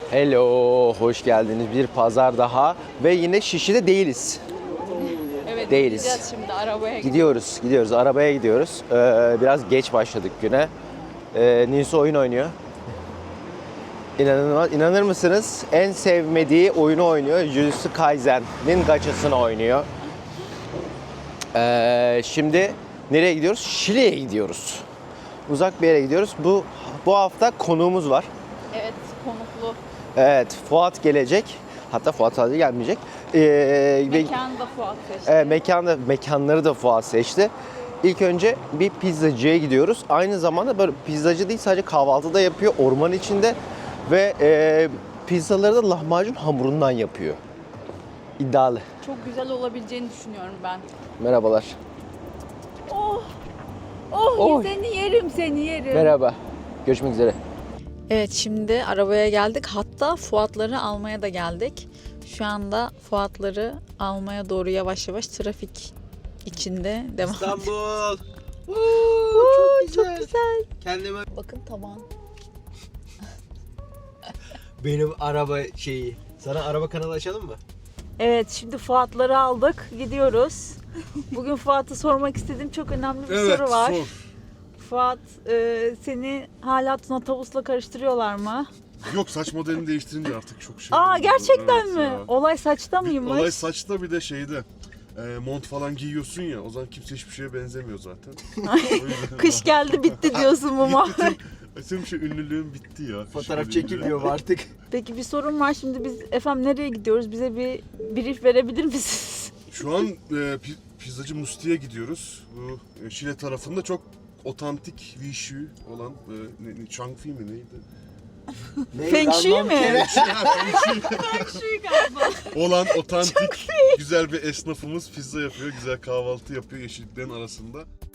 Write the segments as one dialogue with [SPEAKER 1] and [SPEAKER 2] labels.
[SPEAKER 1] Hello, hoş geldiniz. Bir pazar daha ve yine Şişli'de değiliz.
[SPEAKER 2] Evet,
[SPEAKER 1] Değiliz.
[SPEAKER 2] gideceğiz şimdi arabaya gidiyoruz.
[SPEAKER 1] Gidiyoruz. Arabaya gidiyoruz. Biraz geç başladık güne. Nisu oyun oynuyor. İnanır mısınız? En sevmediği oyunu oynuyor. Jujutsu Kaisen'in gaçasını oynuyor. Şimdi nereye gidiyoruz? Şile'ye gidiyoruz. Uzak bir yere gidiyoruz. Bu hafta konuğumuz var.
[SPEAKER 2] Evet, konuklu.
[SPEAKER 1] Evet, Fuat gelecek. Hatta Fuat sadece gelmeyecek.
[SPEAKER 2] Mekanı da Fuat seçti.
[SPEAKER 1] Mekanları da Fuat seçti. İlk önce bir pizzacıya gidiyoruz. Aynı zamanda böyle pizzacı değil, sadece kahvaltı da yapıyor orman içinde. Ve pizzaları da lahmacun hamurundan yapıyor. İddialı.
[SPEAKER 2] Çok güzel olabileceğini düşünüyorum ben.
[SPEAKER 1] Merhabalar.
[SPEAKER 2] Oh
[SPEAKER 1] Oy.
[SPEAKER 2] seni yerim.
[SPEAKER 1] Merhaba. Görüşmek üzere.
[SPEAKER 2] Evet, şimdi arabaya geldik. Hatta Fuatları almaya da geldik. Şu anda Fuatları almaya doğru yavaş yavaş trafik içinde devam ediyoruz.
[SPEAKER 1] İstanbul.
[SPEAKER 2] Çok güzel.
[SPEAKER 1] Kendime
[SPEAKER 2] Bakın taban.
[SPEAKER 1] benim araba şeyi. Sana araba kanalı açalım mı?
[SPEAKER 2] Evet, şimdi Fuatları aldık. Gidiyoruz. Bugün Fuat'a sormak istediğim çok önemli bir soru var. Fuat, seni hala Tuna Tavus'la karıştırıyorlar mı?
[SPEAKER 3] Yok, saç modelini değiştirince artık çok şey.
[SPEAKER 2] Aa,
[SPEAKER 3] oldu.
[SPEAKER 2] gerçekten
[SPEAKER 3] Evet
[SPEAKER 2] mi?
[SPEAKER 3] ya.
[SPEAKER 2] Olay saçta mıymış?
[SPEAKER 3] Olay saçta, bir de şeyde mont falan giyiyorsun ya, o zaman kimse hiçbir şeye benzemiyor zaten. O yüzden-
[SPEAKER 2] Kış geldi bitti diyorsun bu muhabbet.
[SPEAKER 3] Senin şey, ünlülüğün bitti ya.
[SPEAKER 1] Fotoğraf
[SPEAKER 3] Şöyle
[SPEAKER 1] çekilmiyor mu artık?
[SPEAKER 2] Peki bir sorun var, şimdi biz efendim nereye gidiyoruz? Bize bir brief verebilir misiniz?
[SPEAKER 3] Şu an pizzacı Musti'ye gidiyoruz. Bu Şile tarafında çok otantik Vishu olan Changfi mi neydi?
[SPEAKER 2] Feng Shui mi?
[SPEAKER 3] Olan otantik güzel bir esnafımız pizza yapıyor, güzel kahvaltı yapıyor yeşilliklerin arasında.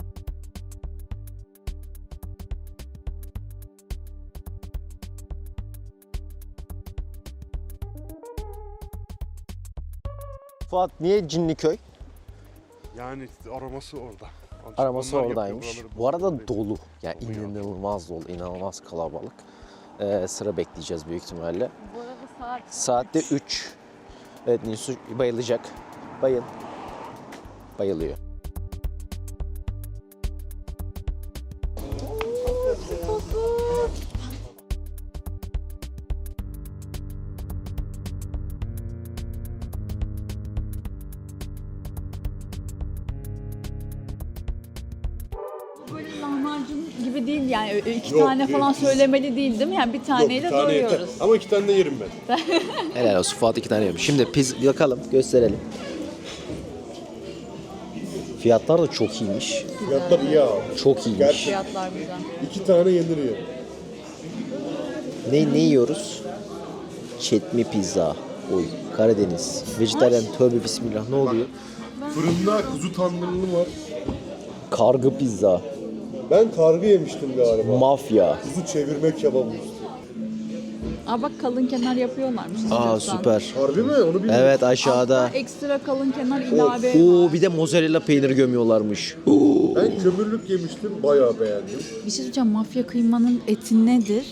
[SPEAKER 1] Fuat niye Cinliköy?
[SPEAKER 3] Yani aroması orada.
[SPEAKER 1] Araması
[SPEAKER 3] Onlar
[SPEAKER 1] oradaymış.
[SPEAKER 3] yapıyor, buraları
[SPEAKER 1] Bu arada
[SPEAKER 3] bozuldu.
[SPEAKER 1] dolu. Yani inanılmaz dolu, inanılmaz kalabalık. Sıra bekleyeceğiz büyük ihtimalle.
[SPEAKER 2] Bu arada
[SPEAKER 1] Saatte 3. Evet, Nisu bayılacak. Bayıl. Bayılıyor.
[SPEAKER 2] böyle lahmacun gibi değil yani, iki tane falan söylemeli değil mi? Yani bir taneyle doyuyoruz.
[SPEAKER 3] Ama 2 tane de yerim ben.
[SPEAKER 1] Helal olsun, Fuat 2 tane yemiş. Şimdi yakalım, gösterelim. Fiyatlar da çok iyiymiş.
[SPEAKER 3] Fiyatlar iyi abi.
[SPEAKER 1] Çok iyiymiş.
[SPEAKER 2] Fiyatlar güzel.
[SPEAKER 3] 2 tane yenir ya.
[SPEAKER 1] Ne yiyoruz? Çetmi pizza. Oy, Karadeniz. Vejetaryen, tövbe bismillah, ne oluyor?
[SPEAKER 3] Fırında kuzu tandırlı var.
[SPEAKER 1] Kargı pizza.
[SPEAKER 3] Ben kargı yemiştim galiba.
[SPEAKER 1] Mafya.
[SPEAKER 3] Kuzu çevirme kebabı.
[SPEAKER 2] Aa bak, kalın kenar yapıyorlarmış
[SPEAKER 1] Aa,
[SPEAKER 2] istiyorsan.
[SPEAKER 1] süper.
[SPEAKER 3] Harbi mi? Onu bilmiyorum.
[SPEAKER 1] Evet, aşağıda.
[SPEAKER 2] Hatta ekstra kalın kenar ilave.
[SPEAKER 1] Oo, bir de mozzarella peyniri gömüyorlarmış.
[SPEAKER 3] Ben kömürlük yemiştim. Bayağı beğendim.
[SPEAKER 2] Bir şey söyleyeceğim, mafya kıymanın eti nedir?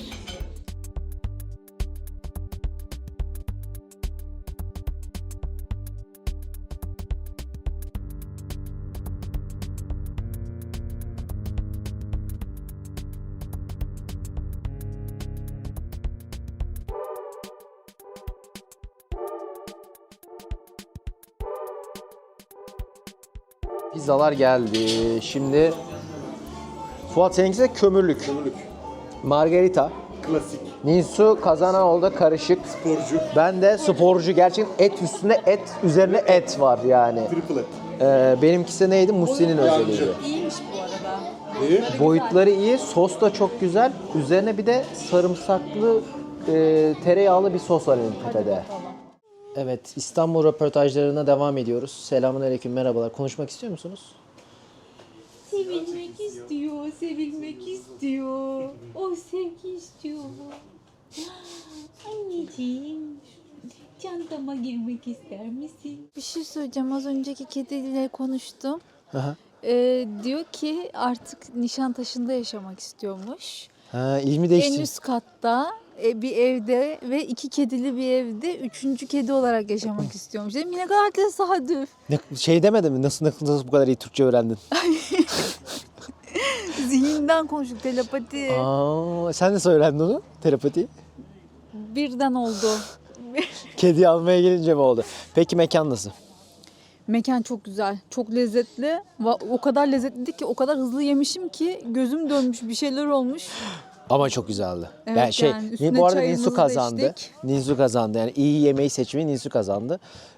[SPEAKER 1] Pizzalar geldi. Şimdi Fuat, seninkisi de kömürlük.
[SPEAKER 3] Kömürlük.
[SPEAKER 1] Margarita.
[SPEAKER 3] Klasik.
[SPEAKER 1] Nisu Kazanaoğlu'da karışık.
[SPEAKER 3] Sporcu.
[SPEAKER 1] Ben de sporcu. Gerçekten et üstüne et, üzerine et var yani.
[SPEAKER 3] Triple et.
[SPEAKER 1] Benimkisi neydi? Musti'nin özelliği.
[SPEAKER 2] İyiymiş bu arada.
[SPEAKER 3] Neyi?
[SPEAKER 1] Boyutları iyi, sos da çok güzel. Üzerine bir de sarımsaklı, tereyağlı bir sos var en tepede. Evet, İstanbul röportajlarına devam ediyoruz. Selamünaleyküm, merhabalar. Konuşmak istiyor musunuz?
[SPEAKER 4] Sevilmek istiyor, sevilmek istiyor. O sevgi istiyor. Anneciğim, çantama girmek ister misin?
[SPEAKER 2] Bir şey söyleyeceğim, az önceki kediyle konuştum.
[SPEAKER 1] Aha.
[SPEAKER 2] Diyor ki artık Nişantaşı'nda yaşamak istiyormuş.
[SPEAKER 1] Ha, ilmi
[SPEAKER 2] En
[SPEAKER 1] değişti.
[SPEAKER 2] üst katta bir evde ve 2 kedili bir evde 3. kedi olarak yaşamak istiyormuş. Dedim ne kadar tesadüf.
[SPEAKER 1] Şey demedim mi? Nasıl bu kadar iyi Türkçe öğrendin?
[SPEAKER 2] Zihinden konuştuk, telepati.
[SPEAKER 1] Sen nasıl öğrendin onu? Telepati.
[SPEAKER 2] Birden oldu.
[SPEAKER 1] Kedi almaya gelince mi oldu? Peki mekan nasıl?
[SPEAKER 2] Mekan çok güzel, çok lezzetli. O kadar lezzetli ki, o kadar hızlı yemişim ki gözüm dönmüş, bir şeyler olmuş.
[SPEAKER 1] Ama çok güzeldi.
[SPEAKER 2] Evet, yani üstüne
[SPEAKER 1] bu arada
[SPEAKER 2] çayımızı
[SPEAKER 1] Ninsu
[SPEAKER 2] da
[SPEAKER 1] kazandı.
[SPEAKER 2] içtik.
[SPEAKER 1] Ninsu kazandı. Yani iyi yemeği seçmeyi Ninsu kazandı.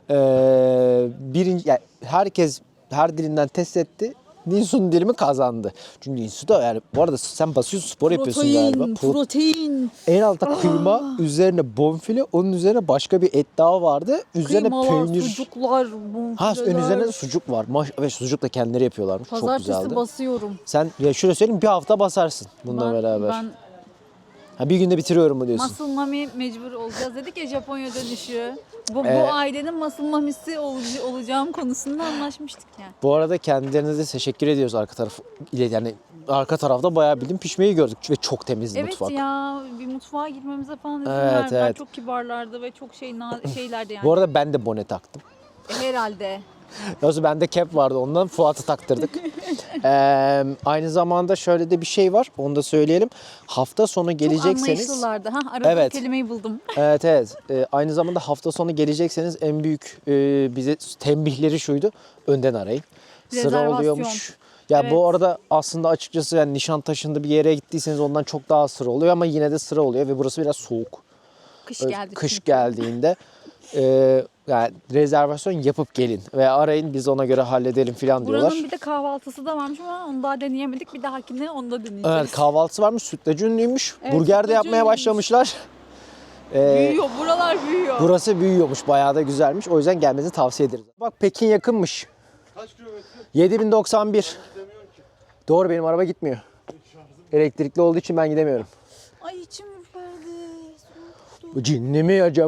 [SPEAKER 1] Yani herkes her dilinden test etti. Ninsu'nun dilimi kazandı. Çünkü Ninsu da yani bu arada sen basıyorsun, spor yapıyorsun galiba.
[SPEAKER 2] Protein.
[SPEAKER 1] En altta kıyma, üzerine bonfile, onun üzerine başka bir et daha vardı. Üzerine
[SPEAKER 2] Kıymalar,
[SPEAKER 1] peynir.
[SPEAKER 2] sucuklar, bonfileler.
[SPEAKER 1] Ön üzerine de sucuk var. Ve sucuk da kendileri yapıyorlarmış. Çok
[SPEAKER 2] Pazartesi
[SPEAKER 1] güzeldi.
[SPEAKER 2] basıyorum.
[SPEAKER 1] Sen ya şöyle söyleyeyim, bir hafta basarsın bununla beraber.
[SPEAKER 2] Ben
[SPEAKER 1] Ha, bir günde bitiriyorum mu diyorsun?
[SPEAKER 2] muscle mommy mecbur olacağız dedik ya, Japonya dönüşü. Bu
[SPEAKER 1] Evet.
[SPEAKER 2] ailenin muscle mommy'si olacağım konusunda anlaşmıştık yani.
[SPEAKER 1] Bu arada kendilerine de teşekkür ediyoruz arka taraf ile, yani arka tarafta bayağı bildiğin pişmeyi gördük ve çok temizdi
[SPEAKER 2] Evet
[SPEAKER 1] mutfak.
[SPEAKER 2] ya, bir mutfağa girmemize falan izin
[SPEAKER 1] Evet,
[SPEAKER 2] verdiler.
[SPEAKER 1] evet.
[SPEAKER 2] Çok kibarlardı ve çok şeylerdi yani.
[SPEAKER 1] Bu arada ben de bone taktım.
[SPEAKER 2] Herhalde.
[SPEAKER 1] Yoksa bende cap vardı, ondan Fuat'ı taktırdık. Aynı zamanda şöyle de bir şey var, onu da söyleyelim. Hafta sonu
[SPEAKER 2] Çok
[SPEAKER 1] gelecekseniz...
[SPEAKER 2] anlayışlılardı. Aradığım
[SPEAKER 1] Evet.
[SPEAKER 2] kelimeyi buldum.
[SPEAKER 1] Evet. Aynı zamanda hafta sonu gelecekseniz en büyük bize tembihleri şuydu. Önden arayın. Sıra
[SPEAKER 2] Rezervasyon.
[SPEAKER 1] oluyormuş. Ya
[SPEAKER 2] Evet.
[SPEAKER 1] bu arada aslında açıkçası yani Nişantaşı'nda bir yere gittiyseniz ondan çok daha sıra oluyor ama yine de sıra oluyor ve burası biraz soğuk.
[SPEAKER 2] Kış geldi
[SPEAKER 1] Kış
[SPEAKER 2] çünkü.
[SPEAKER 1] geldiğinde yani rezervasyon yapıp gelin ve arayın, biz ona göre halledelim falan diyorlar.
[SPEAKER 2] Buranın bir de kahvaltısı da varmış ama onu daha deneyemedik. Bir dahakine onu da deneyeceğiz.
[SPEAKER 1] Evet, kahvaltısı varmış, sütlacı ünlüymüş.
[SPEAKER 2] Evet,
[SPEAKER 1] Burger de
[SPEAKER 2] sütlacı
[SPEAKER 1] yapmaya
[SPEAKER 2] ünlüymüş.
[SPEAKER 1] başlamışlar.
[SPEAKER 2] Büyüyor, buralar büyüyor.
[SPEAKER 1] Burası büyüyormuş, bayağı da güzelmiş. O yüzden gelmenizi tavsiye ederiz. Bak Pekin yakınmış.
[SPEAKER 3] Kaç kilometre?
[SPEAKER 1] 7091. Doğru, benim araba gitmiyor. Elektrikli olduğu için ben gidemiyorum.
[SPEAKER 2] Ay içim ürperdi. Soğuktu.
[SPEAKER 1] Bu cinli mi acaba?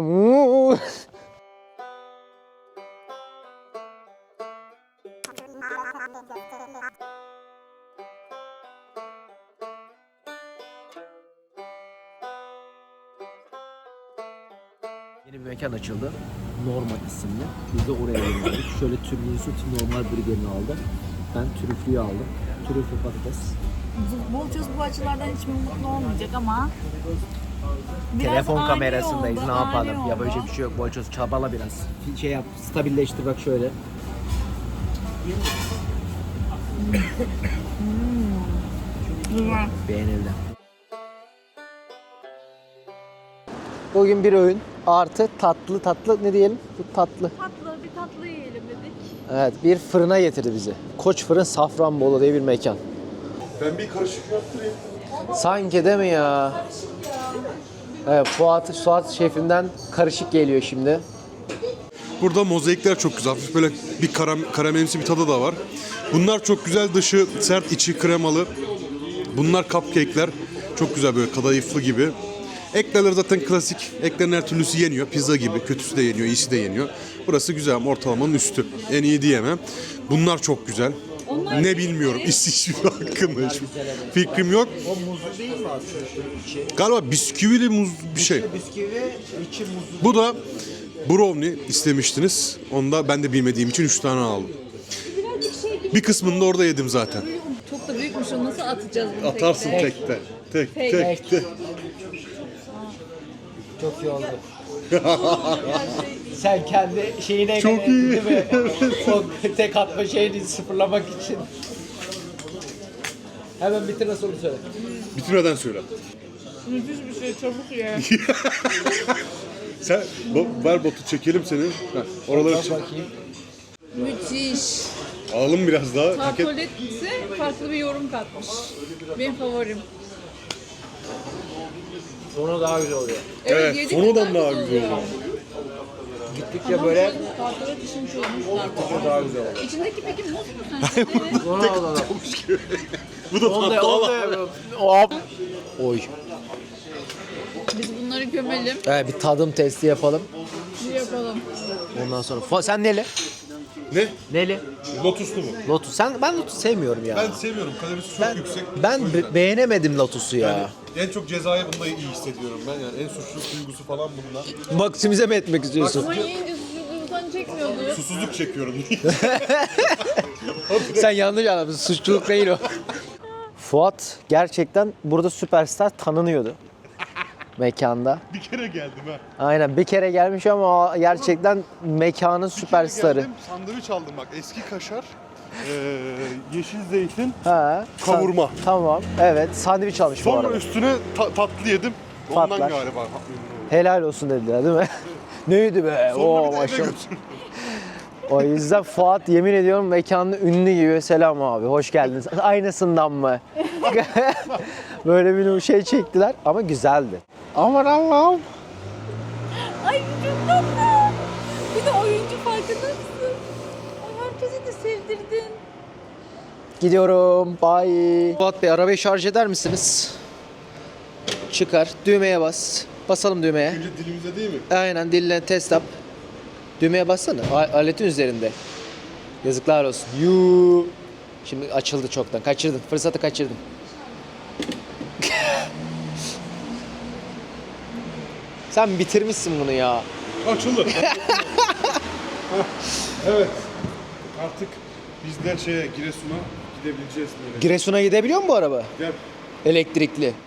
[SPEAKER 1] Yeni bir mekan açıldı. Normal isimli. Biz de oraya yöneldik. Şöyle Türlüsü normal burgerini aldı. Ben trüflüyü aldım. Trüflü patates.
[SPEAKER 2] Bolçoz bu açılardan hiç mutlu olmayacak ama biraz
[SPEAKER 1] Telefon
[SPEAKER 2] ani
[SPEAKER 1] kamerasındayız.
[SPEAKER 2] oldu,
[SPEAKER 1] Ne
[SPEAKER 2] ani
[SPEAKER 1] yapalım? Ya
[SPEAKER 2] oldu.
[SPEAKER 1] böyle bir şey yok. Bolçoz çabala biraz. Şey yap, stabilleştir bak şöyle. Beğenildi. Bugün bir öğün artı tatlı ne diyelim? Bu tatlı.
[SPEAKER 2] Bir tatlı yiyelim dedik.
[SPEAKER 1] Evet, bir fırına getirdi bizi. Koç Fırın Safranbolu diye bir mekan.
[SPEAKER 3] Ben bir karışık yaptırayım.
[SPEAKER 1] Sanki değil mi ya? Evet, Fuat şefinden karışık geliyor şimdi.
[SPEAKER 3] Burada mozaikler çok güzel. Hafif böyle bir karamelimsi bir tadı da var. Bunlar çok güzel, dışı sert, içi kremalı. Bunlar cupcake'ler. Çok güzel, böyle kadayıflı gibi. Eklerler zaten klasik. Eklerin her türlüsü yeniyor. Pizza gibi. Kötüsü de yeniyor, iyisi de yeniyor. Burası güzel ama ortalamanın üstü. En iyi diyemem. Bunlar çok güzel. Ne bilmiyorum. İsviçre hakkında hiçbir fikrim yok.
[SPEAKER 1] O muzlu değil mi aslında?
[SPEAKER 3] Galiba bisküvili muz bir şey.
[SPEAKER 1] Bisküvi, içi muzlu.
[SPEAKER 3] Bu da brownie istemiştiniz. Onu da ben de bilmediğim için 3 tane aldım. Bir kısmını da orada yedim zaten.
[SPEAKER 2] Çok da büyükmüş, o nasıl atacağız bunu
[SPEAKER 3] Atarsın
[SPEAKER 2] tek?
[SPEAKER 3] tekte. Tek.
[SPEAKER 1] Çok iyi oldu. Sen kendi şeyine
[SPEAKER 3] Çok iyi.
[SPEAKER 1] değil mi? O tek atma şeyini sıfırlamak için. Hemen bitir, nasıl onu söyle.
[SPEAKER 3] Bitirmeden söyle.
[SPEAKER 2] Müthiş bir şey, çabuk ye.
[SPEAKER 3] Sen ver botu çekelim seni. Heh, oraları çek.
[SPEAKER 1] Bakayım.
[SPEAKER 2] Müthiş.
[SPEAKER 3] Alalım biraz daha.
[SPEAKER 2] Tartolet ise farklı bir yorum katmış. Benim favorim.
[SPEAKER 1] Sonu daha güzel oluyor.
[SPEAKER 3] Evet,
[SPEAKER 2] yedik,
[SPEAKER 3] sonradan
[SPEAKER 2] bunlar
[SPEAKER 3] daha
[SPEAKER 2] güzel
[SPEAKER 3] güzel
[SPEAKER 2] oluyor.
[SPEAKER 1] Gittikçe böyle
[SPEAKER 2] Tartolet işini çözmüşler.
[SPEAKER 1] daha güzel oluyor.
[SPEAKER 2] İçindeki peki muz mu sence?
[SPEAKER 3] Bu da tatlı ama.
[SPEAKER 1] Hop. Oy.
[SPEAKER 2] Biz bunları gömelim,
[SPEAKER 1] Evet, bir tadım testi yapalım.
[SPEAKER 2] bir yapalım.
[SPEAKER 1] Ondan sonra. Sen neli?
[SPEAKER 3] Ne?
[SPEAKER 1] Neli?
[SPEAKER 3] Lotuslu mu?
[SPEAKER 1] Lotus. Ben Lotus sevmiyorum ya.
[SPEAKER 3] Ben seviyorum. Kalorisi çok yüksek.
[SPEAKER 1] Ben beğenemedim Lotus'u ya.
[SPEAKER 3] En çok cezayı bunda iyi hissediyorum ben yani. En suçluluk duygusu falan bunda.
[SPEAKER 1] Maksimize mi etmek istiyorsun?
[SPEAKER 2] Ama yiyince suçluluktan çekmiyordu.
[SPEAKER 3] Susuzluk çekiyorum.
[SPEAKER 1] Sen yanlış anlamışsın. Suçluluk değil o. Fuat gerçekten burada süperstar tanınıyordu. Mekanda.
[SPEAKER 3] Bir kere geldim ha.
[SPEAKER 1] Aynen bir kere gelmiş ama o gerçekten mekanın süperstarı.
[SPEAKER 3] Geldim, sandviç aldım bak. Eski kaşar, yeşil zeytin,
[SPEAKER 1] Ha,
[SPEAKER 3] kavurma.
[SPEAKER 1] Tamam. Evet. Sandviç almış bu
[SPEAKER 3] Sonra
[SPEAKER 1] arada.
[SPEAKER 3] üstüne tatlı yedim. Ondan
[SPEAKER 1] Patlar.
[SPEAKER 3] galiba.
[SPEAKER 1] Helal olsun dediler değil mi? Neydi be?
[SPEAKER 3] Sonra
[SPEAKER 1] Oo
[SPEAKER 3] bir de eve
[SPEAKER 1] maşallah.
[SPEAKER 3] götürdüm.
[SPEAKER 1] O yüzden Fuat yemin ediyorum mekanın ünlü gibi. Selam abi, hoş geldiniz. Aynısından mı? Böyle bir şey çektiler ama güzeldi. Aman Allah'ım.
[SPEAKER 2] Ay çok tatlı. Bir de oyuncu farkında mısın? Ay herkese de sevdirdin.
[SPEAKER 1] Gidiyorum. Bye. Fuat Bey arabayı şarj eder misiniz? Çıkar. Düğmeye bas. Basalım düğmeye.
[SPEAKER 3] Önce dilimize değil mi?
[SPEAKER 1] Aynen dille test yap. Düğmeye bassana. Aletin üzerinde. Yazıklar olsun. Yuu. Şimdi açıldı çoktan. Kaçırdın. Fırsatı kaçırdın. Sen bitirmişsin bunu ya.
[SPEAKER 3] Açıldı. Evet. Artık biz de Giresun'a gidebileceğiz böyle.
[SPEAKER 1] Giresun'a gidebiliyor mu bu araba?
[SPEAKER 3] Gel.
[SPEAKER 1] Elektrikli.